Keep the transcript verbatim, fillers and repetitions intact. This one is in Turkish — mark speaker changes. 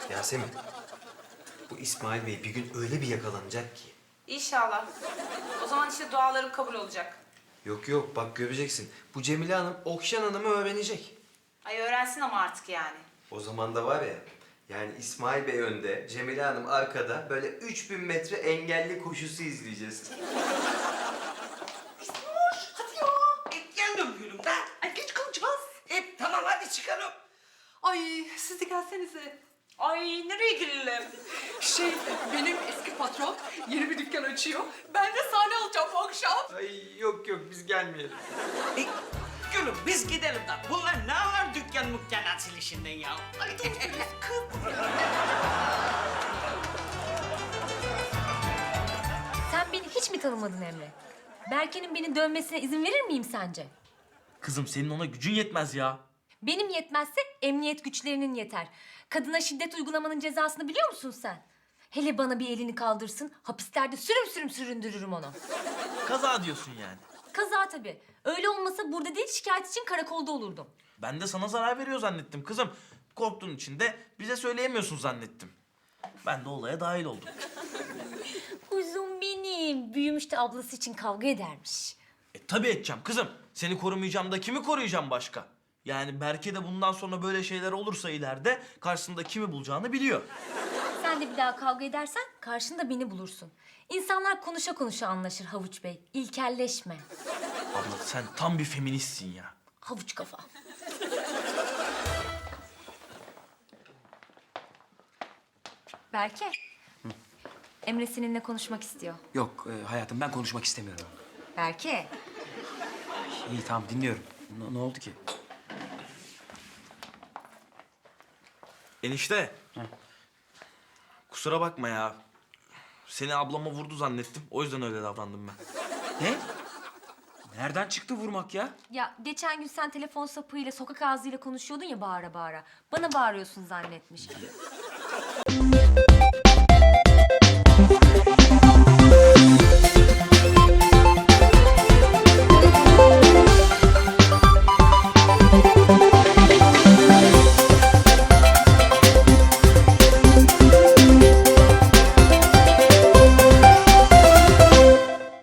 Speaker 1: Yasemin, bu İsmail Bey bir gün öyle bir yakalanacak ki.
Speaker 2: İnşallah. O zaman işte dualarım kabul olacak.
Speaker 1: Yok yok, bak göreceksin. Bu Cemile Hanım Okşan Hanım'ı öğrenecek.
Speaker 2: Ay öğrensin ama artık yani.
Speaker 1: O zaman da var ya, yani İsmail Bey önde, Cemile Hanım arkada böyle üç bin metre engelli koşusu izleyeceğiz.
Speaker 3: Hadi ya. E, geldim gülüm de. Ay geç kalacağız. E, tamam hadi çıkalım.
Speaker 4: Ay siz de gelsenize.
Speaker 2: Ay nereye girelim?
Speaker 4: Şey benim eski patron yeni bir dükkan açıyor. Ben de sahne alacağım bu akşam.
Speaker 1: Ay yok yok, biz gelmeyelim.
Speaker 3: E, gülüm biz gidelim de. Bunlar ne var dükkan mükkan açılışından ya? Ay,
Speaker 5: Sen beni hiç mi tanımadın Emre? Berke'nin beni dövmesine izin verir miyim sence?
Speaker 6: Kızım senin ona gücün yetmez ya.
Speaker 5: Benim yetmezse emniyet güçlerinin yeter. Kadına şiddet uygulamanın cezasını biliyor musun sen? Hele bana bir elini kaldırsın, hapislerde sürüm sürüm süründürürüm onu.
Speaker 6: Kaza diyorsun yani.
Speaker 5: Kaza tabii. Öyle olmasa burada değil, şikayet için karakolda olurdum.
Speaker 6: Ben de sana zarar veriyor zannettim kızım. Korktuğun için de bize söyleyemiyorsun zannettim. Ben de olaya dahil oldum.
Speaker 5: Kuzum benim. Büyümüş de ablası için kavga edermiş.
Speaker 6: E tabii edeceğim kızım. Seni korumayacağım da kimi koruyacağım başka? Yani Berke de bundan sonra böyle şeyler olursa ileride karşısında kimi bulacağını biliyor.
Speaker 5: Sen de bir daha kavga edersen karşında beni bulursun. İnsanlar konuşa konuşa anlaşır Havuç Bey. İlkelleşme.
Speaker 6: Abla sen tam bir feministsin ya.
Speaker 5: Havuç kafa. Berke. Emre seninle konuşmak istiyor.
Speaker 7: Yok e, hayatım ben konuşmak istemiyorum.
Speaker 5: Berke.
Speaker 7: İyi tamam dinliyorum. Ne, ne oldu ki?
Speaker 6: Enişte. Kusura bakma ya. Seni ablama vurdu zannettim. O yüzden öyle davrandım ben.
Speaker 7: Ne? Nereden çıktı vurmak ya?
Speaker 5: Ya geçen gün sen telefon sapığıyla, sokak ağzıyla konuşuyordun ya bağıra bağıra. Bana bağırıyorsun zannetmiş.